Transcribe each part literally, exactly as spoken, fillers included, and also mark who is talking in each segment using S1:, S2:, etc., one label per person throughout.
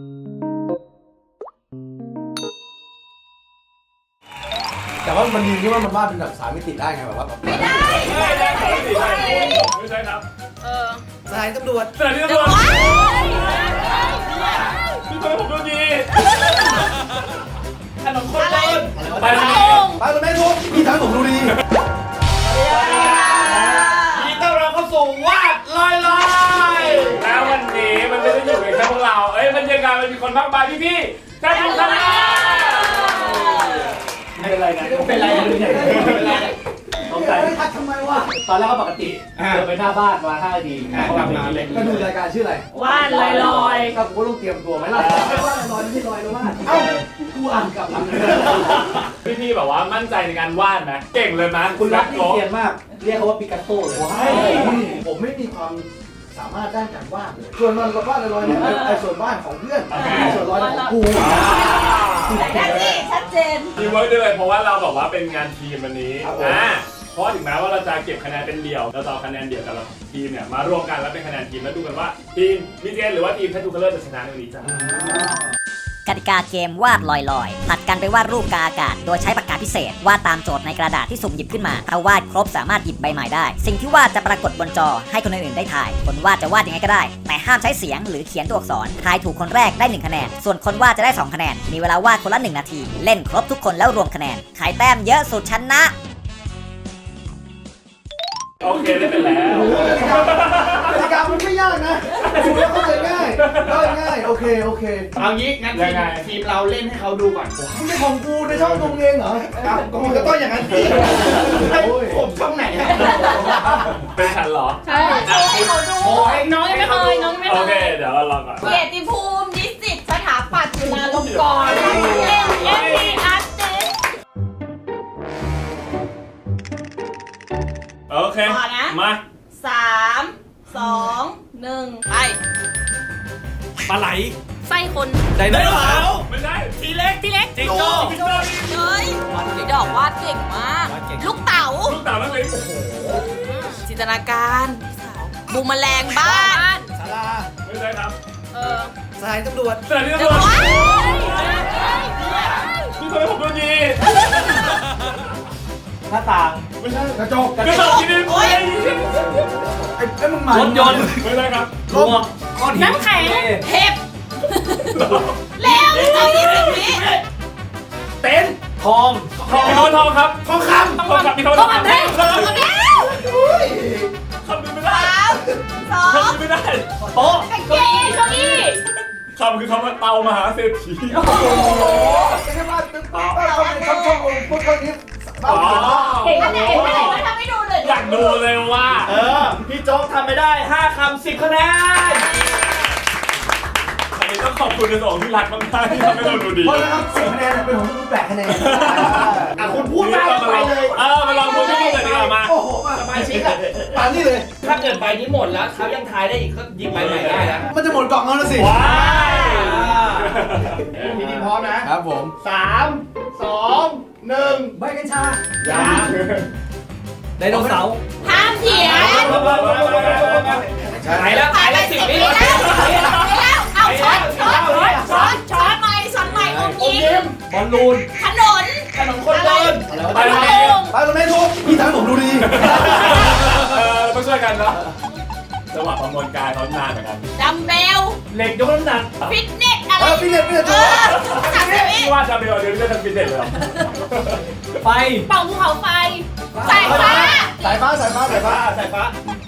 S1: แต่ว่ามันดีที่ว่ามันวาดเป็นแบบสามมิติได้ไงแบบว่าแบบไม่ได้
S2: ไม่ได้สามมิติได้ไม่ใช่ครับ
S3: เออ
S1: สถานีตำรวจ
S2: สถานีตำรวจพี่ทำไมผมดูดีขนมคนเดินไปทางไหน
S1: ไปรถแม่ทุกพี่ทำให้ผมดูดี
S2: ยินดีต้อนรับเข้าสู่วาดลอยลอยแล้ววันนี้มันไม่ได้อยู่ในแค่พวกเราเอ้ยมันยังไงมันมีคนมากมายพี่ๆท่านผู้ชมไม่เป็นไรนะไม่เป็นไรนะเป็นไรสงสัยทักทำไมวะตอนแรกก็ปกติเดินไปหน้าบ้านมาห้านาทีเขาทำงานเลย
S1: ก็ดูรายการชื่ออะไร
S3: วาดลอยลอย
S1: ก็กูต้องเตรียมตัวไหมล่ะวาดลอยไม่ใช่ลอยแล้ววาดเอ้ากูอ่านกลับหลัง
S2: พี่พี่แบบว่ามั่นใจในการวาดไหมเก่งเลยไหม
S1: คุณรักนี่เรียนมากเรียกเขาว่าปิกัสโต้เลยผมไม่มีความสามารถด้านการวาดเลยส่วนมันก็วาดลอยเนี่ยไอ้ส่วนวาดของเพื่อนส่วนลอยของกู
S3: ได้ที่ชัดเจน
S2: ทีมเวิร์กด้วยเพราะว่าเราบอกว่าเป็นงานทีมวันนี้อ่าเพราะถึงแม้ว่าเราจะเก็บคะแนนเป็นเดี่ยวเราจะเอาคะแนนเดี่ยวแต่ละทีมเนี่ยมารวมกันแล้วเป็นคะแนนทีมแล้วดูกันว่าทีมมิเจนหรือว่าทีมแททูคัลเลอร์จะชนะในวันนี้จ้าก
S4: ติกาเกมวาดลอยๆผลัดกันไปวาดรูปกาอากาศโดยใช้ปากกาพิเศษวาดตามโจทย์ในกระดาษที่สุ่มหยิบขึ้นมาถ้าวาดครบสามารถหยิบใบใหม่ได้สิ่งที่วาดจะปรากฏบนจอให้คนอื่นๆได้ถ่ายคนวาดจะวาดยังไงก็ได้แต่ห้ามใช้เสียงหรือเขียนตัวอักษรทายถูกคนแรกได้หนึ่งคะแนนส่วนคนวาดจะได้สองคะแนนมีเวลาวาดคนละหนึ่งนาทีเล่นครบทุกคนแล้วรวมคะแนนใครแต้มเยอะสุดชนะ
S2: โอเคได้เป็นแล้ว
S1: กติกามันไม่ยากนะดูแล้วเข้าใจง่ายเข้าใจง่ายโอเคโอเค
S5: เอางี้งั้นทีมทีมเราเล่นให้เขาดูก่อน
S1: ไม่ใช่ของกูในช่องตรงเองเหรอ
S5: ครับก็มันก็ต้องอย่างนั้นสิผมช่องไหน
S2: เป็นฉันเหรอ
S3: ใช่ให้เขาดูน้องยังไม่เคยน้องยังไม่เคย
S2: โอเคเดี๋ยวเราลองก่อน
S3: เกียรติภูมินิสิตสถาปัตย์จุฬาลงกรณ์เอ็มเอ็มดีอาร์ติส
S2: โอเคมา
S3: สามสองหนึ่งไป
S5: ปลาไหล
S3: ไส้คน
S5: ไดโนเสาร์
S2: ไม่ใช่
S3: ทีเล็กทีเล็ก
S5: จิงโจ้
S3: เฮ้ยดอกวาดเก่งมากลูกเต๋า
S2: ลูกเต๋าแล้วเลยโอ้โห
S3: จินตนาการบูมแมลงบ้าน
S1: ศาลา
S2: ไม่ใช่ครับ
S3: เออ
S1: สถานีตำรวจ
S2: สถานีตำรวจพี่ทำไมผมดูดี
S1: หน้าต่างไม่ใช่กระจก
S2: กระจกที่นี่โอ้ย
S1: ไอ้ไอ้มึงหมาย
S5: รถยนต์
S2: ไม่ใช่ครับ
S1: รถก้อนหิน
S3: น้ำแข็งเห็บเร็วเอายี่สิบวิ
S2: เต็น
S5: ทอง
S2: ทองทองครับ
S1: ทองคำ
S2: ทองคำมีทอง
S3: คำแท่งทองคำแท่ง
S2: คำดูไม่ได้
S3: สอง
S2: คำดูไม่ได้
S5: โต๊ะ
S3: เก้าอี้เก้าอี้
S2: คำคือคำว่าเตามหาเศรษฐี
S1: โอ้โหแค่ว่าตึ๊บตึ๊บเขาเป็นช่องช่องพวกคนนี้
S2: อ๋อ
S3: เห็นไหมเห็นไหมทำให้ดูเลย
S2: อยากดูเลยว่า
S5: เออพี่โจ๊กทำไม่ได้ห้าคำสิบคะแนน
S2: อันนี้ต้องขอบคุณในส่วนที่รักมากๆที่ทำให้เราดูดี
S1: เพราะนะครับสิบคะแนนเป็นของคุณแปดคะแนน
S5: อ่ะคุณพูดได้ไปเลย
S2: เออมาลองพูดที่พูดเลยดีกว่ามา
S1: โอ้โหมา
S5: สบายชิคอะ
S1: ปานนี่เลย
S5: ถ้าเกิดใบนี้หมดแล้วเขายังทายได้อีกก็ยิงใบใหม่ได้นะ
S1: มันจะหมดกล่องแล้วนะสิ
S2: ว้าย
S5: ทีนี้พร้อมนะครับ
S1: ผม
S5: สามสองหนึ่ง
S1: ใบกัญชา
S2: อย่า
S1: ไดโนเสาร์
S3: ห้ามเถียง
S5: ไหนแล้วไหนแล้วสิบวิแล้ว
S3: แล้วเอาช้อนช้อนช้อนช้อนใหม่ช้อนใหม่อมยิ้ม
S5: บอลลูน
S3: ถนน
S5: ถนนคนเดิน
S2: ไปทางไหน
S1: ไปรถแม่ทุกพี่ทำให้ผมดูดี
S2: เออต้องช่วยกันนะจังหวะประมวลกายเขานานเหมือนกัน
S3: ดัมเบล
S5: เหล็กยกน้ำหนัก
S3: ฟิตเนสอะไร
S1: ฟิตเนสฟิตเนสถูก
S2: พี่ว่าดัมเบลเดี๋ยวจะทำฟิตเนสเลย
S5: ไฟ
S3: เป่าภูเขาไฟสายฟ้า
S1: สายฟ้าสายฟ้าสายฟ้า
S5: สายฟ้า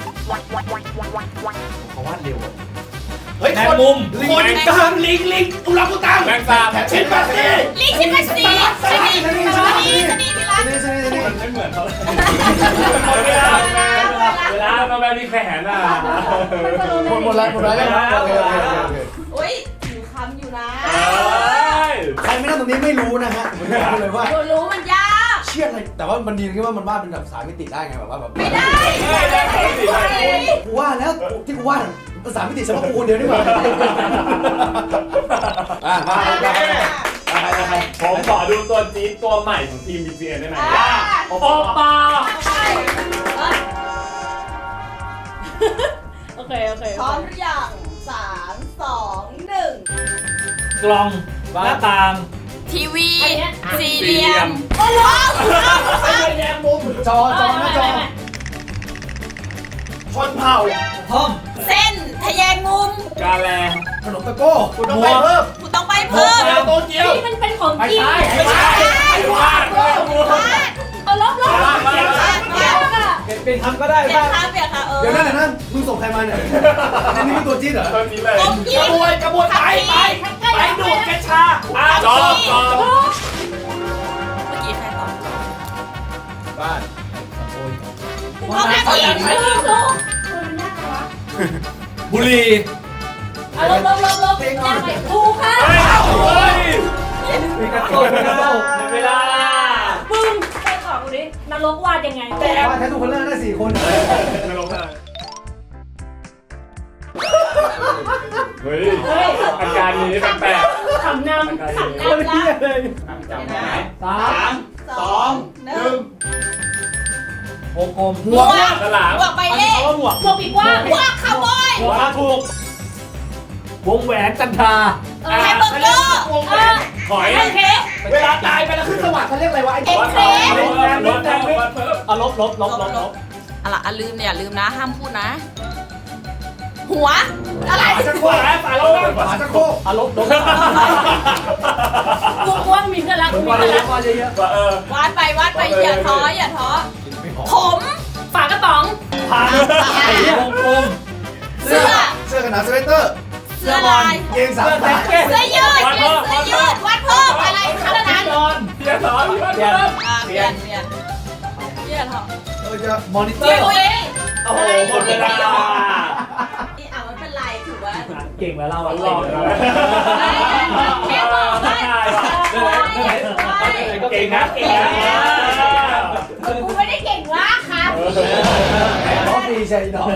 S5: เขาวาดเร็วเฮ้ยแมงมุมคนกลางลิงลิงอุลังอุตัง
S2: แมงสาบ
S5: ชิมปัสซี
S3: ลิงชิมปัสซีชนีชนีชนีชนีพิรัต
S2: มันไม่เหมือนเขาเลยเวลาเวลาเราแบบมีแขนอ่ะ
S1: หมดหมดแล้วหมดแล้ว
S3: โอ้ยอยู่คำอยู่นะ
S1: ใครไม่นั่งตรงนี้ไม่รู้นะฮะผมบอกเลยว่า
S3: รู้มันยาก
S1: เชี่ยอะไรแต่ว่ามันดีที่ว่ามันวาดเป็นแบบสามมิติได้ไงแบบว่าแบบ
S3: ไม่ได้
S1: กูว่าแล้วที่กูวาดสามมิติเฉพาะกูคนเดียวนี่หว่าอ่ะมา
S2: ผมขอดูตัวจี๊ดตัวใหม่ของทีม บี จี เอ็น ได้ไหมโอปา
S3: โอเคโอเคพร้อมหรือยังสามสองหนึ่ง
S5: กล่องหน้าต่าง
S3: ทีวีสี่เหลี่ยม
S1: ไฟแดงมุมจอจอหน้าจอชนเผ่า
S5: ห้อง
S3: เส้นทะแยงมุม
S2: กาแล
S1: ขนมตะโก้คุณต้องไปเพิ่ม
S3: คุณต้องไปเพิ่ม
S2: โตเกียว
S6: ที่มันเป็นของ
S1: ไม่
S6: จริง
S1: ใช่
S2: ไม่ใช่ไม่ใช่
S6: เอาลบลบ
S2: มามา
S6: เดี๋ยว
S2: มา
S6: เดี๋ยวค่ะ
S1: เปลี่ยนเปลี่ยนคำก็ได้
S3: เปลี่ย
S1: บ้าน ง
S3: ค่ะเปลี่ยนค่ะเออ
S1: เดี๋ยวนั่นนั่นมึงส่งใครมาเนี่ยอันนี้เป็นตัวจี๊ดเหรอ
S2: ตอนนี้เลย
S3: กบ
S5: ก
S3: ยิ
S5: ระ
S3: ง
S5: บวยกระบวยไปไปไปดูดกัญชา
S2: อ่ะจอจอ
S3: เมื่อกี้ใครตอบ
S1: บ้าน
S3: ห้องน้ำหญิง
S6: ไม่รู้ลูกคุณน่ารัก
S5: บุหรี่
S6: เอาลบลบลบลบยังไงถูกค่ะ
S2: เฮ้ยเฮ้ย
S1: มีกระโตมีกระโต
S2: เวลา
S6: ปึ้งไปตอบกูดินรกวาดยังไง
S1: ว่าแค่ทุกคนเลิกได้สี่คน
S2: นรกเลยเฮ้ย
S6: เฮ้ย
S2: อาการนี้แปลก
S6: ขำนำ
S2: อาการ
S6: ขำ
S2: นี้
S6: นำละ
S1: เลย
S2: จำได้
S1: สาม
S3: สองหนึ่ง
S5: วงกลม
S3: หมวก
S2: ฉลาม
S3: หมวกใบเล่
S5: หมวก
S6: พวกปีกว่า
S3: หมวกคาวบอย
S5: หัวถูก วงแหวนจันทรา
S6: เอ
S3: แฮ
S6: อ
S3: มเบอร์เกอร์
S6: เออ
S2: หอย
S6: โอเค
S5: เวลาตายไปแล้ว
S1: ขึ้นสวรรค์เขาเรียกอะไรวะไอ้
S3: เอ็ก
S1: วัด
S3: เครส
S2: รถแรงรถแรงรถเพิ่ม
S5: เอาลบลบลบลบลบ
S3: อะไรอ่ะลืมเนี่ยลืมนะห้ามพูดนะ หัวอะไร
S1: ฝาชักโครก
S2: ฝาฝาลง
S1: ฝาชักโครก
S5: เอาลบลบ
S6: กวงกวงมีเพื่อนรัก
S1: ผม
S6: มี
S1: ว่า
S6: เพื่อน
S1: เย
S6: รั
S1: อะ
S6: ก
S1: ว่าเยอะ
S2: ว่าเออ
S3: วาดไปวาดไปอย่าท้ออย่าท้อผม
S6: ฝากระป๋อง
S5: ผ่านวงกลม
S1: เสื้อเสื้อกันหนาวสเวตเตอร์
S3: เสื้อลาย
S1: เกงสามสาย
S3: เสื้อยืดเสื้อยืดวัดเพิ่มอะไรขนาดนั้น
S5: นอน
S2: เพียร์สอนเพียร์เพิ่ม
S3: อ่าเปลี่ยนเปลี่ยนเปลี่ยนเหรอ
S1: เออจะ
S5: มอนิเตอ
S3: เปลี่ยน
S5: ร์
S3: ตัวเอง
S2: โอ้โหหมดเวลา
S3: นี่อ่ะมันเป็นไรถือว่า
S5: เก่งแล้วเรา
S2: หลอกเลย
S3: แค่บอกว่า
S2: เก่งนะเก่งนะ
S3: กูไม่ได้เก่งว่าครับ
S1: แหมร้องดีใช่ดอก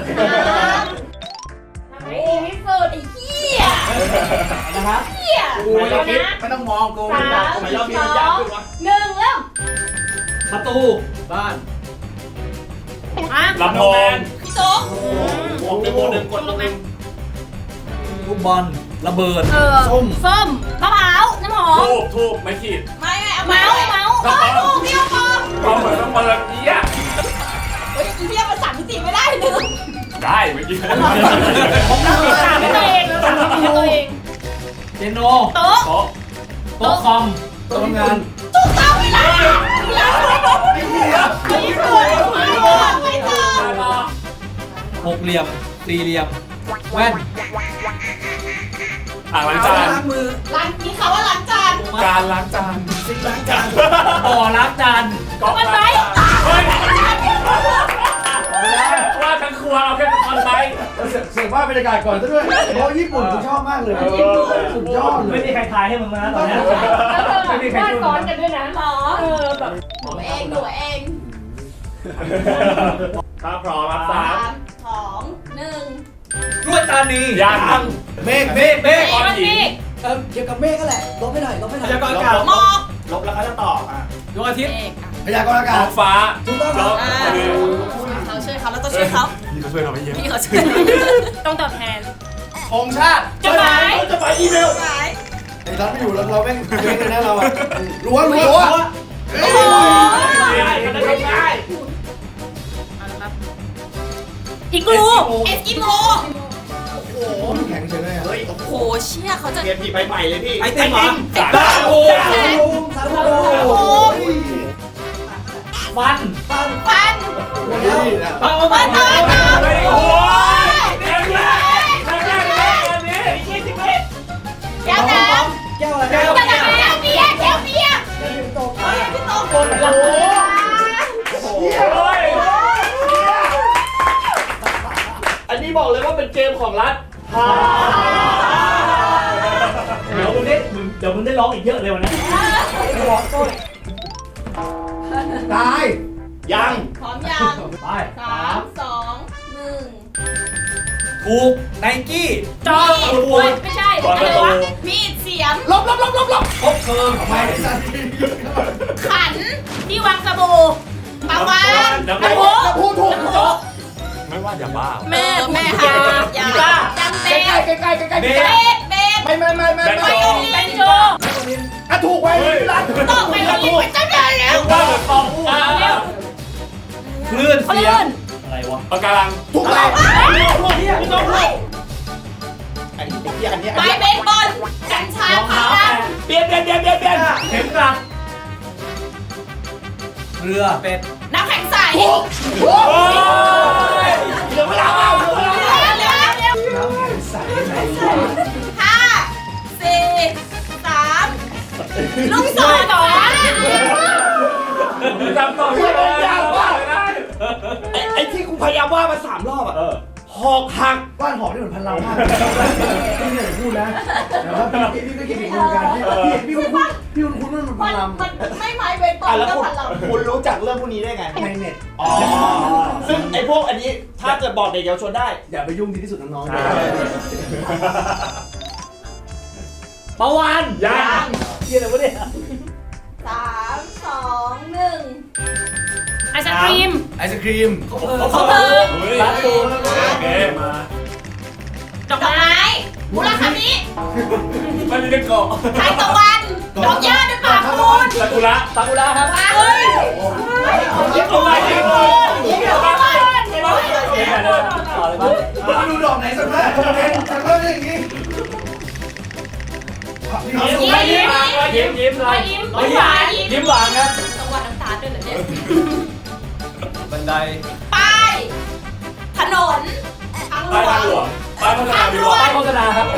S6: ไม่ดีที่สุด
S3: ไอ้เหี้ย
S5: นะครับ
S3: เหี้ย
S1: กูไม่ต้องคิดไม่ต้องมองกู
S6: สาม
S1: ไม่
S6: ส
S1: ต้อง
S6: องหนึ่งเริ่ม
S5: ประตู
S1: บ้าน
S6: อ่ะ
S2: ลำโพง
S3: พี่โจ๊ก
S2: วงหนึ่งวงหนึ่งกดลง
S5: ลูกบอลระเบิด
S6: เออส้มส้มมะพร้าวน้ำหอม
S2: ทูบทูบไม่ขีด
S3: ไม่ไม่เอาเมาส์เมาส์เออถูกพี่เอาปอม
S2: ก็เหมือนต้องเปิดเอี้ย
S3: เฮ้ยอีเหี้ยมันสั่งมิติไม่ได้ลืม
S2: ได้เมื่อกี้
S1: ผมนั่งเลย
S6: ถามให้ตัวเองถามให้ตัวเอง
S5: เจโน
S6: โต๊ะ
S2: โต๊ะ
S5: โต๊ะคอม
S1: โต๊ะทำงาน
S3: ถูกต้องเวลาเวลาไม่ถูก
S1: ไอ้เหี้ย
S3: ไม่ถูกไม่ถูกไม่ถูก
S5: หกเหลี่ยมสี่เหลี่ยมแว่น
S2: อ่างล้างจาน
S1: ล้างมือ
S3: ล้างมีคำว่าล้างจาน
S2: การล้างจาน
S1: ซิงล้างจาน
S5: บ่อล้างจาน
S2: ก๊อกล้างจานเฮ้ยว่าทั้งครัวเอาแค่คอนไซ
S1: เสียงเสียงว่าบรรยากาศก่อนซะด้วยเพราะญี่ปุ่นกูชอบมากเลยสุดยอดเล
S5: ไม่
S1: ย
S5: มีใครทายให้มึงนะตอนนี้
S6: แล้วเธอวาดซ้อนกันด้วยนะ
S3: หรอ
S6: เออแบบ
S3: หนูเองหนูเอง
S2: ถ้าพร้อมรับ
S3: สา
S2: สาม
S3: มสองหนึ่ง
S5: กล้วยตานี
S2: ยัง
S1: เมฆเมฆ
S5: เมฆ
S2: ก้อนหิน
S1: เออเกี่ยวกับเมฆก็แหละลบไปหน่อยลบไปหน่อย
S5: พยากรณ์อากาศ
S3: หมอก
S2: ลบแล้วเขาจะตอบอ่ะ
S5: ดวงอาทิตย์
S3: เอกอ่ะ
S1: พยากรณ์อา
S2: ท้
S1: กา
S2: อ
S1: ศ
S2: งฟ้า
S1: ถูกต้องค
S2: แล้
S1: รั
S2: ว
S1: บ
S3: อ่าเขาช่วยเขาแล้วต้องช่วยเขา
S2: พี่ก็ช่วยเราไปเยอะ
S3: พี่เขาช่วย
S6: ต้องตอบแทน
S1: องชาติ
S6: จดหมาย
S1: จะไปอีเมล
S3: หาย
S1: ไอ้รัฐไม่อยู่เราเราแม่งเม่งเลยนะเราอะรั้วรั้ว
S3: โอ้โห
S2: ได้ได้ได้
S6: อีกลู
S3: เอสกิโม
S1: โอ้โหมันแข็งเฉยเลยอะเฮ้ย
S3: โอ้โหเชี่ยเขาจะ
S2: เรียนผีไปใหม่เลยพี่
S5: ไอติมเหรอ
S2: สาม
S5: โอ้
S1: สารภูมิสารภูมิ
S5: ฟัน
S1: ปัน
S3: ปัน
S1: นี่นะ
S5: ปัง
S3: ปันปันปัน
S2: โอ้ยแรงแรงแรงแรงแรงอันนี้ยี่สิบเมตร
S3: แก้วน้
S1: แก้วอะไร
S3: ำแก้วน้ำแก้วเบียร์แก้วเบียร์
S1: แก้วตก
S3: เฮ้ยพี่โตคน
S1: โอ้โห
S2: โอ้ย
S5: อันนี้บอกเลยว่าเป็นเกมของรัฐเดี๋ยวมึงได้มึงเดี๋ยวมึงได้ร้องอีกเยอะเลยวันนี้
S1: บอกต้นตาย
S2: ยัง
S3: พร้อมยัง
S5: ไป
S3: สามสองหนึ่ง
S5: ถูกไนกี้
S6: จอเฮ้ยไม่ใช่
S2: ก่อน
S6: อะ
S2: ประ
S6: ไร
S2: ตู
S6: วะ
S3: มีดเสียม
S1: ลบลบลบลบลบ
S5: คบเพลิง
S1: ไม่ได้สันที
S3: ขัน
S6: ที่วางสบู่
S3: ปาวาน
S2: น้ำ
S3: น้ำ
S2: โพ
S3: พุ
S1: พูดถูกถูก
S2: ไม่ว่าอย่าบ้า
S3: แม่แม่หาอย่าจำ
S1: ใก
S3: เตะ
S1: ล้ใกล้ใกล้ใกล้ใกล้
S3: เบสเบส
S1: ไม่ไม่ไม่ไม่
S2: แบน
S1: ไม่
S2: โจ
S3: ไวโอลิน
S6: เขาลื่น
S5: อะไรวะ
S2: ปะการัง
S1: ถูกต้อง
S5: พี่ต้องพูด
S1: อันนี้ไอ้เหี้ยอันนี้อัน
S3: ไม้
S1: นี้
S3: เบสบอลกัญชาร
S5: อง
S3: พา
S5: เท้า
S3: รา
S5: แตะเปลี่ยนเปลี่ยนเปลี่ยนเปลี่ยนเปลี่ยนเข็มกลัดเรือเป็ด
S3: น้ำแข็งใส
S2: โอ้ย
S5: เหลือเวลาเปล่าเหลือเวลา
S3: เร็วเร็วเร็ว
S1: น้ำแข็งใสไหน
S3: ห้าสี่สามลูกศรสอง
S2: จำต่อไม่ได้ยากมากเลยนะ
S5: ไอ้ไอ้ที่กูพยายามว่ามาสามรอบอ่ะ
S2: เออ
S5: หอกหัก
S1: บ้านหอมนี่เหมือนพันเรามากพี่เนี่ยพูดนะแต่ว่าพี่พี่ก็คิดถึงเหมือนกันพี่พี่คุณพี่คุณคุณมัน
S3: มั
S1: พั
S3: น
S1: นล
S3: มันไม่ไม้เบสบอ
S5: อ่ะ
S3: ล
S5: แล้ว
S3: ก็
S5: คุณ
S3: พันลำ
S5: คุณรู้จักเรื่องพวกนี้ได้ไง
S1: ในเน็ต
S5: อ๋อซึ่งไอ้พวกอันนี้ถ้าเกิดบอกเด็กเยาวชนได้
S1: อย่าไปยุ่งดีที่สุดน้องๆ
S5: ปะวัน
S2: ยัง
S5: เฮียอะไรวะเนี่ย
S3: สามสองหนึ่ง
S6: ไอศครีม
S1: ไอศครีม
S3: เขาเพิ่ม
S2: เฮ้ย
S5: ร้านตูน
S2: โอเคมา
S3: ดอกไม้มูลคามิ
S2: มันมีเรื่องเกาะ
S3: ทานตะวัน ดอกหญ้าด้วยปากมูล
S2: ซากุระ
S5: ซากุระครับ
S3: เฮ้ย
S2: ยิบเอาไว้ยิบเอาไว้ยิบเอาไว้
S5: ต่อเลยมั้ย
S1: มาดูดอกไหนสักแล้วสักแล้วอย่างนี้
S5: ยิ้มยิ้มเลย
S3: ยิ้ม
S5: ยิ้ม
S3: หวานยิ้ม
S5: ยิ้มหวานครับ
S3: ตะวันน้ำตาลด้วยเหรอเนี่ย
S5: บันได
S3: ป้ายถนนทางหล
S2: ป้ายว ทางหลว
S3: ง
S2: งป้ายโฆษณาดีกว่า
S5: ป้ายโฆษณาครับ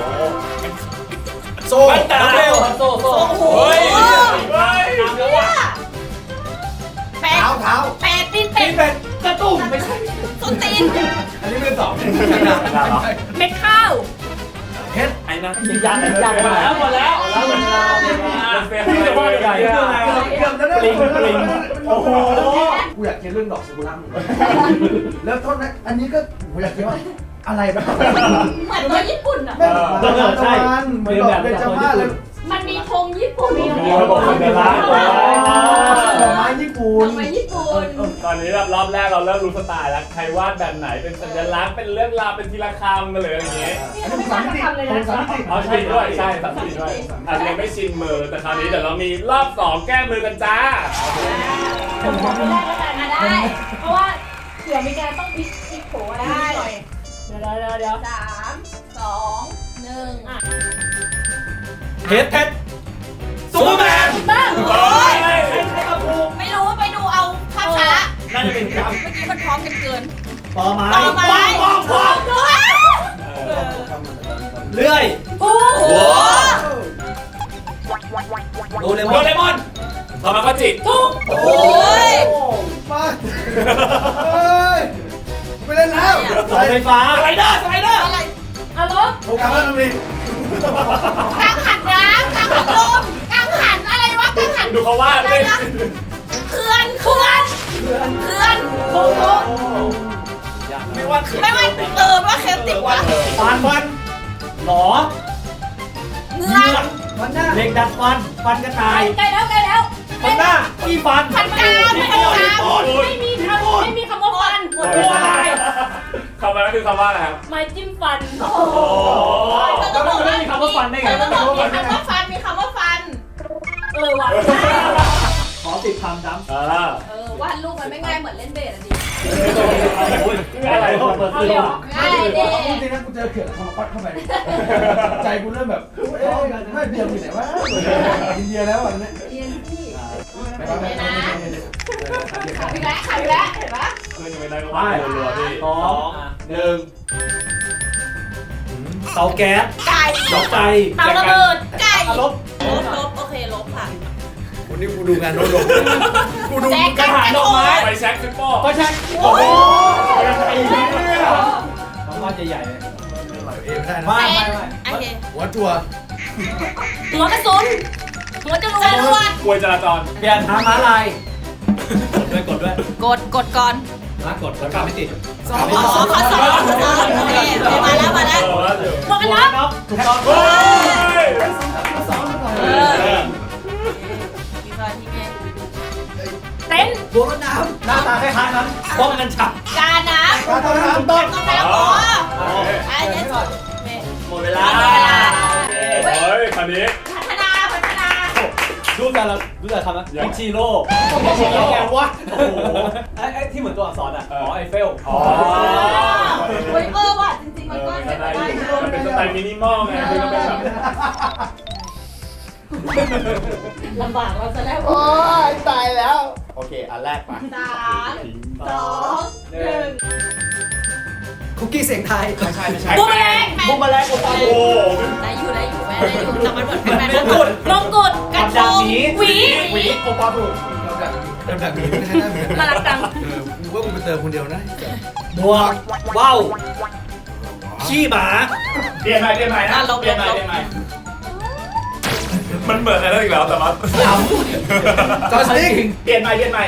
S1: โซ่
S5: บันไดเร็วครับโซ่โซ่
S3: โอ้โห
S2: เฮ้ยเฮ้ย
S3: เนี่ยเป็ด
S1: เท้าเท้า
S3: เป็ดตีนเป็
S5: นี่
S3: ด
S5: เป็นกระตุ้มไม่ใช่
S3: ส้นตีน
S1: อันนี้ไม่ตอบ
S6: เม็ดข้าว
S1: เพชร
S2: ไอ้นะ
S5: ยันยันมาแล้วหมดแล้ว
S2: พี่จะว่ายังไง
S1: เกือบเกือบแล้วนะ
S5: ปลิงปลิง
S1: โอ้โหกูอยากกินเรื่องดอกซากุระเหมือนกันแล้วโทษนะอันนี้ก็กูอยากกินว่าอะไรบ้าง
S3: เหมือนตัวญี่ปุ่นอ่ะ
S1: แม่เหมือนดอกทานเหมือนดอกเบญจมาศเลย
S3: มันมีธงญี่ปุ่นมี
S2: มีระบบสัญลักษณ์
S1: ดอกไม้ญี่ปุ่
S3: ธ
S1: น
S3: งไม้ญี่ปุ่น
S2: ตอนนี้รอบแรกเราเริ่มรู้สไตล์แล้วใครวาดแบบไหนเป็นสัญลักษณ์เป็นเรื่องราวเป็นทีละคำกันเลยอะไรอย่างเงี้ย
S1: อันนี้สามมิติสามมิติ
S2: เอาใช่ด้วยใช่สามสีด้วยอาจจะยังไม่ชินมือแต่คราวนี้เดี๋ยวเรามีรอบสองแก้มือกันจ้า
S6: ผมขอไปแรกแล้วกัน
S3: อ่ะได้
S6: เพราะว่าเผื่อมีการต้องพลิกพลิกโผอะไรนิดหน่อยเดี๋ยวเดี๋ยวเดี๋ยว
S3: สามสองหนึ่งอ่ะ
S5: เพชรเพชรซูเปอร์แมน
S6: บ้าง
S3: โอ้ย
S5: ใช่ครับครู
S3: ไม่รู้ไปดูเอาภาพช้า
S5: น่าจะเป็นกรรม
S3: เมื่อกี้มันพร้อมกันเกิน
S5: ต่อไม้
S3: ต่อไม้
S5: ป้องป้องป้องเลื่อย
S3: โอ้โห
S5: โดเรมอนโดเรมอน
S2: ทำมาก็จิต
S3: โอ้ย
S1: มาเฮ้ยไปเล่นแล้ว
S5: เสาไฟฟ้าสไลเดอร์สไลเดอร์
S3: อะไร
S6: อารมณ์
S1: โอกาสแล้วตรงนี้
S3: กางหันน้ำกางหันลมกางหันอะไรวะกางหัน
S2: ดูเขาวาดเลย
S3: เขื่อนเขื่อนเขื่อนโอ้โห
S5: ไม่ว่าคือ
S3: ไม่ว่าเติมว่าเคลติกวะ
S5: ฟันฟันหลอ
S3: เงื
S5: เงื
S3: อ
S5: อกเหล็กดัดฟันฟันกระต่าย
S6: ใกล้แล้วใกล้แล้ว
S5: ฟันหน้าขี้ฟัน
S3: พันกามพันกาม
S6: ไม่มีคำไม่มีคำว่าฟัน
S3: หมด
S5: ตัวอะไร
S2: คำนั้นคือคำว่าอะไรครับ
S6: ไม้จิ้มฟัน
S3: โอ้โห
S5: แล้วมันไม่มีคำว่าฟันได้ไง
S3: มีคำว่าฟันมีคำว่าฟัน
S6: เออว่ะ
S5: ขอติดคำจ้ำ
S2: อ่า
S3: เออวาดรูปมันไม่ง่ายเหมือนเล่นเบสอ่ะดิ
S5: อะไรเปิด
S6: เอา
S5: ซื้อ
S6: เดี๋ยว
S3: ง่ายดิ
S1: จริงๆนะกูเจอเขื่อนทำมาปัดเข้าไปใจกูเริ่มแบบเอ๊ะไม่เดียวอยู่ไหนวะอินเดียแล้วอันนี้
S3: เรียนที่
S1: ไม่ไม่ไม่ไม่
S3: ขายไปแล้วขายไปแล้วเห็นปะ
S2: เพื่อนยังไม่ได้ก็วาดรัวๆพี่
S5: สองหนึ่งเตาแก๊ส
S3: ไก่
S5: ดอกใจ
S6: เตาระเบิด
S3: ไก่
S5: ลบ
S3: ลบลบโอเคลบค่ะ
S1: วันนี้กูดูงานโน้ตลงกูดู
S3: แจ็ค
S5: กระถางดอกไม้
S2: ไปแช็คซิปโป้
S5: ก็ใช่
S1: โอ้โห
S5: ไอ้เหี้ยน้องว่าจะใหญ่เลย
S1: เอไม่ได้นะ
S5: ไม่
S3: เป็น
S5: ไม่ไม่
S3: โอเค
S1: หัวจั่ว
S3: หัวกระสุนหัวจรวดจรวด
S2: กลวยจราจร
S5: เปลี่ยนทางม้าลายกดด้วยกดด้วย
S3: กดกดก่อน
S5: มากดแล้วก็ไม่ติด
S3: ขอขอขอสองโอเคมาแล้วมาแล้ว
S2: เออว่าอยู่
S6: หมวกกันน็อก
S5: น็อกถูกต้อง
S2: เฮ้ย
S1: สองก่อน
S3: เออมีตอนที่ไง
S6: เต็นท์
S5: บัวรถน้ำหน้าตาคล้ายๆนั้นป้องกันฉับ
S3: กาน้ำ
S1: ปลาต้นน้ำต้น
S3: ต้องน้ำหัวไอ้เนี่ยสุด
S5: หมดเวลา
S2: เฮ้ยคันนี้
S3: พัฒนาพัฒนา
S2: ดู
S5: จักเรารู้จักคำนะอิชิโร่
S2: อิชิโร่
S5: แกวะโอ้โหไอ้ไอ้ที่เหมือนตัวอักษรอ่ะอ๋อไอเฟล
S2: อ๋อ
S3: เฮ้ยเออว่ะจริงๆมันก็เป็นไปได้นะ
S2: มันเป็นสไตล์มินิมอลไงมันก็เป็นแบบ
S6: ลำบากเราจะแล้ว
S1: โอ้ยตายแล้ว โอเค อันแรกไป
S3: สามสองหนึ่ง
S1: คุกกี้เสียงไทย
S5: ไม่ใช่ไม่ใช่
S3: บูมแมลง
S1: บุมแมลงโอ้โห
S3: ได้อยู่ได้อยู่แม่ได้อยู่แต่มันเหมือนแม่มงกุฎมงกุฎกระทงหวี
S1: หวีโอปอถูก
S7: ลำดับนี้ไม่ใช่หน้าเหมือนกัน
S3: น่ารักจัง
S7: เออกูว่ากูไปเติมคนเดียวนะ
S5: บวกว้าวขี้หมา
S2: เปลี่ยนใหม่เปลี่ยนใหม่นะเปลี่ยนใหม่เปลี่ยนใหม่มันเหมือนอะไรอีกแล้วแต่ว่า
S7: จอร์จนิก
S2: เปลี่ยนใหม่เปลี่ยนใหม่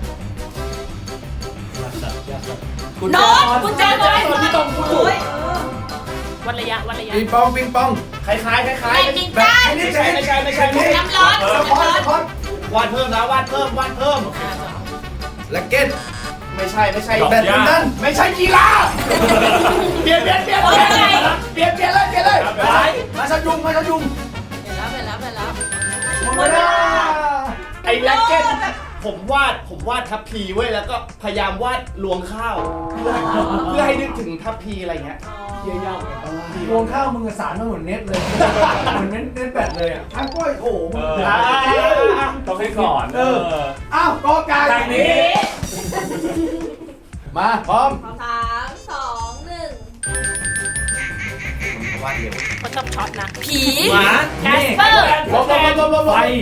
S3: โน้ตกุญแจรถที่ตรงโอ้ยวันระยะวันระยะ
S7: ปิงปองปิงปอง
S2: คล้ายคล้ายคล้ายคล้าย
S3: แรงจริงจัง
S2: ไม่ใช่ไม่ใช่ไม่ใช่ไม่ใช่
S3: น้ำร้อน
S2: เออ
S3: น้ำร้อน
S2: วาดเพิ่มนะวาดเพิ่มวาดเพิ่ม
S7: แล็กเก็ต
S2: ไม่ใช่ไม่ใช่
S7: แบดมินตัน
S2: ไม่ใช่กีฬาเปลี่ยนเปลี่ยนเปลี่ยนเปลี่ยนเปลี่ยนเปลี่ยนเลยเปลี่ยนเลยไป
S1: มาชายุงมาชายุง
S3: เห็นแล้วเห็นแล้วเห็นแล้ว
S1: หมดเวลา
S2: ไอ้แล็กเก็ตผมวาดผมวาดทัพพีเว้ยแล้วก็พยายามวาดรวงข้าวเพื่อเพื่อให้นึกถึงทัพพีอะไรเงี้ย
S1: เยี่ยมรวงข้าวมึงสารมาเหมือนเน็ตเลย เหมือนเน็ตเน็ตแบตเลยอ่ะทั้งก้อยโถมึง
S2: ต้องให้สอน
S1: เออ อ้าวกอไก่
S2: ทางนี้
S1: มาพร้อม
S3: สามสองหนึ่ง
S7: วาดเร็ว
S3: มันต้องช็อตนะผี
S5: หมา
S3: แคสเปอร์
S1: ลบลบลบลบลบ
S5: ไฟ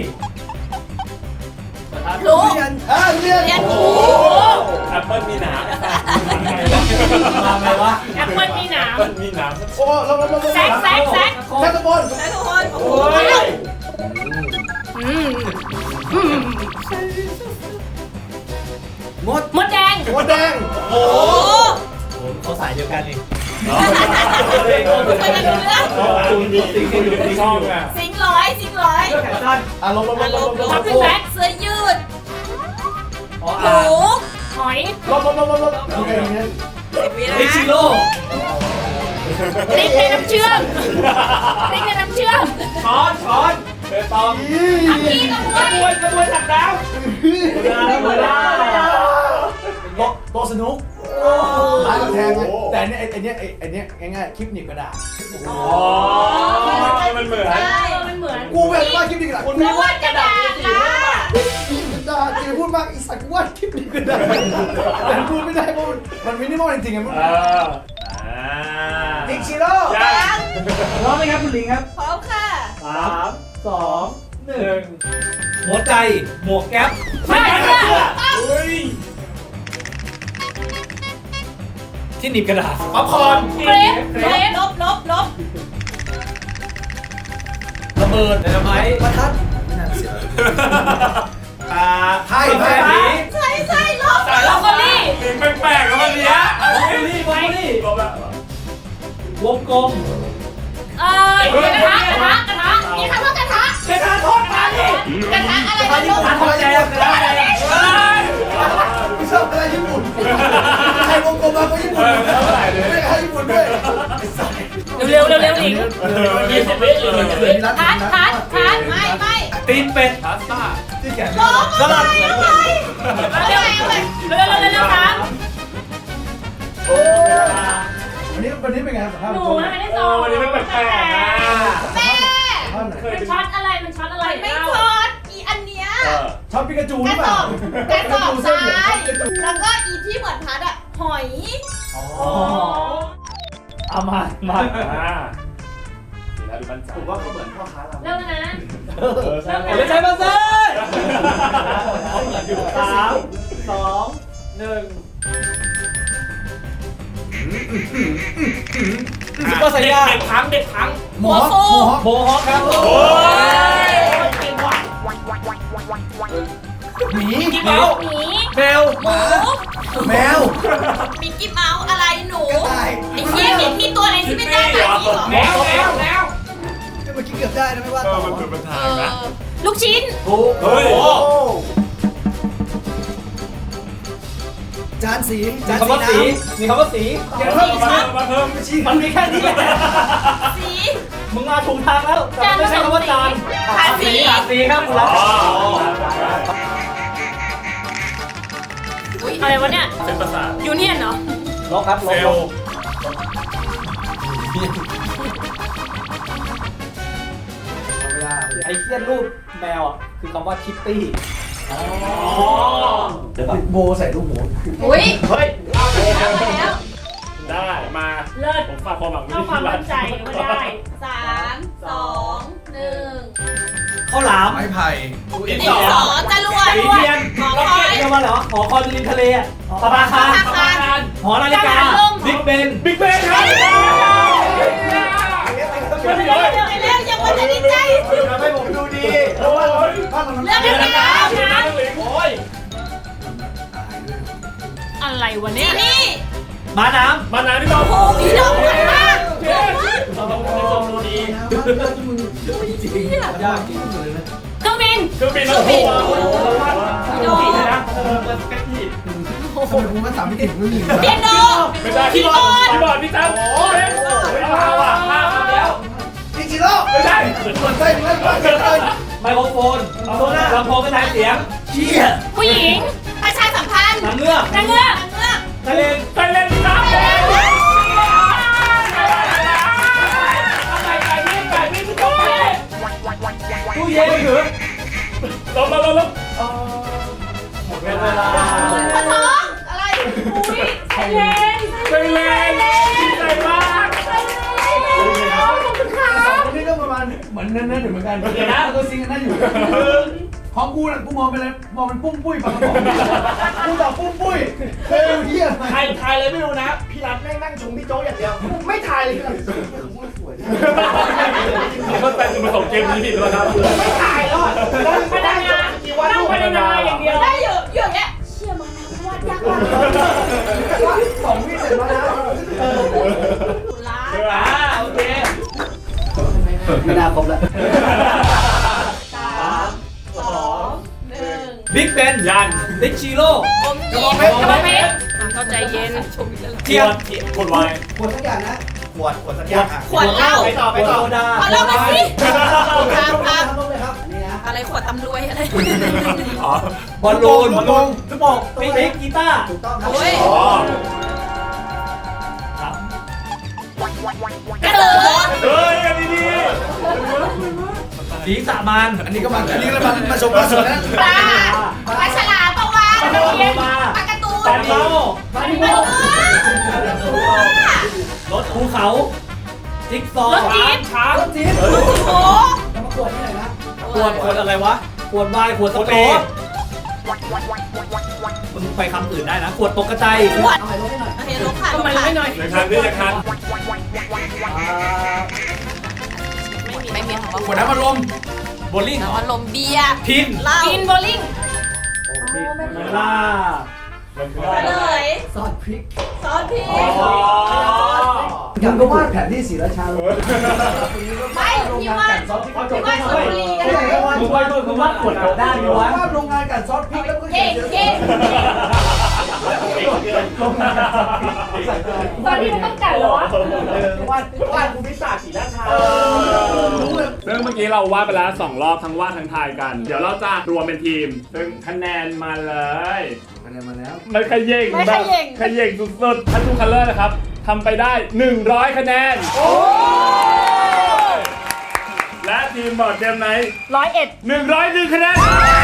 S3: พลุ
S1: เออเรียน
S3: เรียน
S1: โอ้
S3: โอ้
S1: โห
S3: โห
S2: แอปเปิลมีหนาม
S5: มาไงวะ
S3: แอปเปิลมีหนาม
S2: มันมีหนาม
S1: โอ้ลบลบลบลบ
S3: แซกแซกแซก
S1: แซกตะบน
S3: แซกทุกคนโอ้โห
S2: โอ้ย
S3: อืม
S1: มด
S3: มดแดง
S1: มดแดง
S3: โอ้โห
S5: เขาสายเดียวกันเอง
S3: ไปกันดูเรื่อง
S2: ติงติงอยู่ที่ช่องอ่ะ
S3: สิงร้อยสิงร้อย
S5: แขนสั้น
S1: อ่ะลบลบลบลบลบ
S3: ทับเป็นแบ็คเสื้อยืด
S5: อ๋อ
S3: ห
S5: อ่า
S3: มูหอย
S1: ลบลบลบลบลบโอเค
S3: สิบวินะ
S5: อิชิโร่
S3: พริกในน้ำเชื่อมพริกในน้ำเชื่อม
S5: ช้อนช้อน
S2: เปตอง
S3: อักกี้กระบวย
S2: กระบวยถักดาว
S5: เวลาแล้วเวลา
S1: โตโตสนุกร้านกำแพงไงแต่อันเนี้ยไอ้เนี้ยไอ้ไอ้เนี้ยง่ายๆคลิปหนีบกระดาษ
S2: อ๋อมันเหมือน
S3: ใช่มันเหมือน
S1: กูแบบว่าคลิปหนีบกระดาษ
S2: คุณไม่วาดกระดาษสี
S1: กระดาษจะพูดมากอีสัตว์กูว่าคลิปหนีบกระดาษแต่พูดไม่ได้เพราะมันมันมินิมอลจริงๆไงมัน
S2: เอออ่า
S1: อิชิโร่
S2: ยัง
S1: พร้อมไหมครับคุณลิงครับ
S3: พร้อมค่ะ
S5: สามสองหนึ่งหัวใจหมวกแก๊ป
S3: ไม่เชื่อ
S2: เฮ้ย
S5: ที่หนีบกระดาษ
S2: ป๊อปคอร์น
S3: เกรฟเกรฟลบลบลบ
S5: ระเบิดไดนาไมต์
S1: ประทัด
S7: ไม่น่าเสีย
S5: อ่า
S1: ไพ่ไพ่
S5: ผี
S3: ใช่ใช่ลบลบก็นี่
S2: ลิงแปลกๆแล้ววันเนี้ย
S5: บล็อกโคลี่บล็อกโคลี่
S2: ลบละ
S5: วงกลม
S3: เออกระทะกระทะกระทะมีคำว่ากระทะ
S2: กระทะทอดมาดิ
S3: กระทะอะไรกันลูก
S5: ทำแจกกระดาษ
S1: ไม่ชอบอะไรญี่ปุ่นใครวงกลมมาก็ญี่ปุ่นไม่ใครญี่ปุ่นด้วย
S3: เร็วเร็วเร็วหนิง
S2: ยี่สิบวิยี่สิบวิ
S3: ทัดทัดทัดไม่ไม่
S5: ตีนเป็ด
S2: พาสต้า
S1: ที่แขน
S3: ลบสลับเร็วเร็วเร็วเร็วเร็วครับ
S1: วันนี้วันนี้เป็นไงสัมภาษณ์
S3: หนู
S1: ผู้ชม
S3: ไม่ได้
S2: โอ้
S3: สอน
S2: วันนี้มันแปลกๆนะ
S3: แม่
S1: ท่านไหน
S3: มันช็อตอะไรมันช็อตอะไรไม่ช็อตอีอันเนี้ย
S1: ชอบปิกาจู
S3: ก
S1: หรื
S3: ระ
S1: อเป
S3: ส
S1: ล่า
S3: อบกระสอบทรายแล้วก็อีที่เหมือนพัดอะหอย
S1: อ๋อ
S5: เอามามา
S2: อ่าแล้วดูมั่นใจ
S1: ผมว่าเขาเหมือนพ่อค้าเรา
S3: เริ่มแล้วนะ
S2: เออใช่
S5: ไม่ใช่มาเซ่สามสองหนึ่งซุปเปอร์ไซย่า
S2: เด็กพังเด็กพัง
S1: หมอหมอ
S5: โบฮอคครับ
S2: โอ้ย
S1: หมี
S3: หมีหมี
S5: เบล
S3: หมู
S1: แมว
S3: มิกกี้เมาส์อะไรหนู
S1: กระต่าย
S3: ไอ้เหี้ยมีที่ตัวอะไรที่ไม่ได้แบบนี้หรอ
S2: แมวแมวแมว
S1: เมื่อกี้เกือบได้นะไม่ว่า
S2: เอ
S1: ต่
S2: อ
S1: อ
S2: มันคือปัญหา
S3: เอ
S2: นะ
S3: อลูกชิ้น
S1: ถูก
S2: เฮ้ย
S1: โอ้จานสี
S5: มี
S1: จาน
S5: คำว่า
S1: สี
S5: สี มีคำว่าสี
S1: เดี๋ยวเพิ่ม
S2: มาเพิ่มมาเพิ่ม
S1: ไม่ชี้
S5: มันมีแค่นี้แหละ
S3: สี
S5: มึงมาถูกทางแล้วแต่ไม่ใช่คำว่าจาน
S3: ภาษี
S5: ภาษีครับคุณรัก
S2: อ๋อ
S3: อุ๊ยอะไรวะเนี่ย
S2: เป็นภาษา
S3: ยูเนียนเหรอ
S5: ลบครับล
S2: เซ
S5: บ
S2: ล
S5: ล
S2: ล์
S5: บไอ้เทียนรูปแมวอ่ะคือคำว่าคิตตี้
S2: อ๋อ
S1: โบใส่ลูกหมู
S3: อุ้ย
S2: เฮ้ย
S3: เอาแล้วมาแล้ว
S2: ได้มา
S6: เลิศ
S2: ผมฝากความหวังไว้
S6: เอาความ
S2: ที่
S6: มั่นใจว่าได้
S3: สามสองหนึ่ง
S5: ข้าวหลาม
S7: ไม้ไผ่
S2: ดิน
S3: ดิ
S2: ส
S3: น
S2: อ
S3: สอจรวด
S5: สีเทียน
S3: หอ
S5: ล็อก
S3: คอ
S5: เก็ต
S3: ย
S5: เรียกว่าเหรอหอคอยริมทะเลอ่ะสปาคาร
S3: สปาคาร
S5: หอนาฬิกาบิ๊กเบน
S2: บิ๊กเบนครับ
S3: เร็วเร็วเร็วเร็วยังไม่ได้ดีใจ
S1: ทำให้ผมดูดีเพราะว่าบ้านเรามัน
S3: เร็วเร็วเร็ว
S2: บิ๊กเบนทั้งหลิงโอ้ย
S6: อะไรวะ
S3: นี่
S6: เนี่ย
S3: นี่
S5: ม้าน้
S2: มานานที่เรา
S3: โอ้พี่ดอกเหมือนมากเหมือนมาก
S5: ำเราต้องมีความรู้ดี
S1: ยากที่สุดเลยนะ
S6: เครื่องบิน
S2: เครื่องบินแล้วหัว
S3: พี่ดอก
S5: ดีนะเออเป็นแก๊กที่
S1: ทำไมคุณมาสามไม่ติดไม่มี
S3: เปียโน
S2: ไม่ใช่พี่บอลพี่บอลพี่จันโอ้ยไม่เอาอ่ะห้าคำแล้ว
S1: พี่จิโร่
S2: ไม่ใช่
S1: คนใส่เงินบ้านเลย
S5: ไมโครโฟนลำโพงกระจายเสียง
S1: เชี่ย
S6: ผู้หญิง
S3: ประชาสัมพันธ์
S5: หนังเงือก
S6: นางเงือก
S3: นางเงือก
S5: ทะเล
S2: ไปเล่นครับ
S5: ตู้เย็นหรือ
S2: ลงลงลงลง
S5: หมดเวลา
S3: ปะท้องอะไร
S6: อุ้ยไซเลน
S2: ไปเล่นดีใจมาก
S6: ขอบคุณค่ะ
S1: สองคนนี้ก็ประมาณเหมือนนั่นๆอยู่เหมือนกันเดี๋ยวนะตัวซิงกันนั่นอยู่ของกูน่ะกูมองไปเลยมองเป็นปุ้มปุ้ยปากกระป๋องกูตอบปุ้มปุ้ยเฮ้ยเฮีย
S5: ใครทายเลยไม่รู้นะ พี่รัฐแม่งนั่งชมพี่โจ๊กอย่างเดียว
S1: ไม่ถ่ายเลยคือ
S2: เข้าใจจุดประสงค์เกมนี้ผิดแล้วครับ
S1: ไม่ถ่ายแล้วอ่ะ
S6: พนักงานนั่งพนักงานอย่างเดียว
S3: ได้อยู่อยู่อย่างเงี้ยเชี่ยมันนะวาดยากมาก
S1: สองวิเสร็จแล้วนะ
S3: ตุลา
S5: อ่าโอเค
S1: ไม่น่าครบแล้ว
S3: สามสองหนึ่ง
S5: บิ๊กเบน
S2: ยัน
S5: บิ๊กชิโร่
S3: อมยิ้ม
S5: กระบอกเพชร
S3: เข้าใจเย็น
S5: เทียน
S2: กดไว้
S1: ขวดสักอย่างนะ
S7: ขวดขวดสักอย่างอ่ะ
S3: ขวดเหล้า
S5: ไปต่อไปต่อดา
S3: ขวดเหล้ามาสิครับ
S1: ค
S3: ค
S1: รั
S3: รั
S1: บบ เลยครับนี่นะ
S3: อะไรขวดตำรวยอะไร
S2: อ๋อบ
S5: อลลูนบอลลูนทุกบอกปิ๊กปิ๊กกีตาร์
S1: ถูกต้องครับ
S3: โอ้ย
S2: อ๋อก
S3: ระสือ
S2: เฮ้ยอันนี้ดี
S5: สีสามาน
S7: อันนี้ก็มาอันนี้ก็มามาชมมาสวนนะ
S3: ปลาปลาฉลามปลาวาฬ
S5: ปลาโลมา
S3: ปลาการ์ตูน
S5: ปลาเมาปลาดิโม
S3: ปลาร
S5: ถภูเขาจิ๊กซอว์
S6: รถจี๊ป
S5: ช้าง
S1: รถจี๊ด
S3: โอ้โห
S1: จะมาขวดที่ไหนนะ
S5: ขวดขวดอะไรวะขวดไวน์ขวดสเปรย์มึงไปคำอื่นได้นะขวดตกกระจาย
S3: ขวด
S1: เอาใหม่รถให้หน่อย
S3: โอเคลงค่ะ
S6: ทำไมไม่หน่อย
S2: ในคันด้วยในคัน
S3: ไม่มีของ
S7: ขวดน้ำมันลม
S5: โบลิ่ง
S3: เราอารมณ์เบียร์
S5: พิน
S3: เหล้า
S6: กินโบลิ่ง
S5: เวลา
S2: มันคือ
S3: เลย
S1: ซอสพริก
S3: ซอสพริก
S1: ยังก็วาดแผนที่ศรีราชา
S3: ไม่พี่ว่าพี่ว่าชลบุรีก็ได้
S5: มึงไปด้วยมึงว่าขวดกลับด้านดีวะ
S1: วาดโรงงานกันซอสพริกแล้วก็
S3: เก่งเก่ง
S1: โรงงานกันซอสพริก
S6: ตอนนี้มันต้องกัดเหรอวะ
S1: วาดวาดภูมิศาสตร์ศรีราชารู้เลย
S2: ซึ่งเมื่อกี้เราวาดไปแล้วสองรอบทั้งวาดทั้งทายกัน เดี๋ยวเราจะรวมเป็นทีม ซึ่งคะแนนมาเลย
S1: คะแนนมาแล้ว
S2: มันขย่ง
S3: ไม่
S2: แบ
S3: ข
S2: บ
S3: ย่ง
S2: ขย่งสุดๆทันทูคัลเลอร์นะครับทำไปได้หนึ่งร้อยคะแนน และทีมบอร์ดเกมไนท์
S6: ร้อยเอ็ด
S2: หนึ่งร้อยหนึ่งคะแนน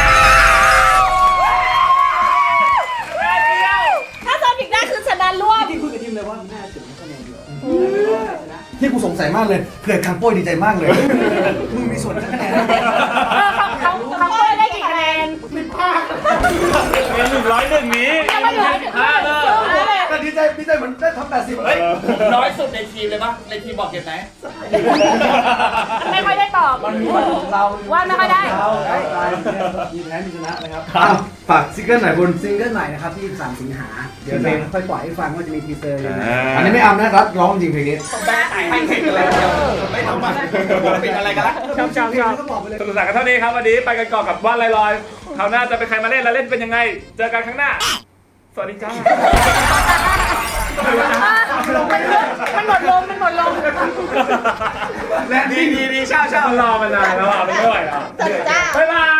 S6: ถ้าซอสพริกได้คือชนะรวบ
S1: ที่คุยกับทีมเลยว่าน่าถึงคะแนนเยอะที่กูสงสัยมากเลยเกิดการโป้ยดีใจมากเลยมึงมีส่วนทั้งคะแนน
S6: เออเขาเขาเขาเป้ยได้กี่คะแนน
S2: เป็นหนึ่งร้อยหนึ่งนี้
S6: ยังไม่เหลือถึงห้าเลย
S1: แต่ดีใจดีใจเหมือนได้ทำแปดสิบ
S2: เฮ้ย
S5: น้อยสุดในทีมเลยปะในทีมบอกเก็บไหน
S6: ไม่ค่อยได้ตอบ
S1: มันมีวันของเรา
S6: ว่าไม่ค่อยได้
S1: เราได้ไปมีแพ้มีชนะนะครับฝากซิงเกิลไหนบนซิงเกิลใหม่นะครับที่สามสิงหาเดี๋ยวเพลงค่อยปล่อยให้ฟังว่าจะมีทีเซอร์ยังไงอันนี้ไม่อำนะครับร้องจริงเพลงนี้
S5: แม่ไอ้ให้เห็นกันแล้วไม่ทำมันปิดอะไรกันละ
S6: ชอบชอบชอบ
S1: ก็บอกไปเลย
S2: สนุกสนานกันเท่านี้ครับวันนี้ไปกันก่อนกับว่านลอยๆคราวหน้าจะเป็นใครมาเล่นและเล่นเป็นยังไง เจอกันครั้งหน้า สวัสดีจ้า
S3: มันหมดลมมันหมดลม
S7: และดีดีดีเช่าเช่า
S2: มันรอมานานแล้วอ่ะไม่ไหวแล้ว
S3: จัดจ้า
S2: บ๊ายบาย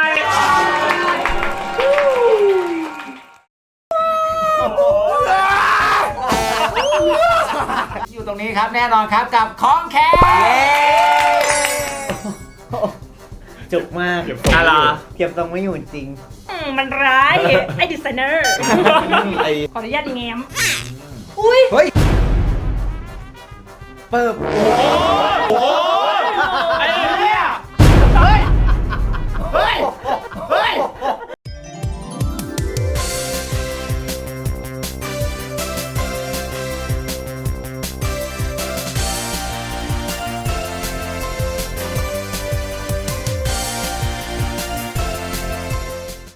S7: อยู่ตรงนี้ครับแน่นอนครับกับของแค
S5: จุกมาก
S2: เก็บทรงไม่อยู่
S5: เก็บทรงไม่อยู่จริง
S6: อืมมันร้ายไอ้ดีไซเนอร์
S5: ไอ้
S6: ขออนุญาตแง้ม
S5: เปิบ
S2: โอ้โห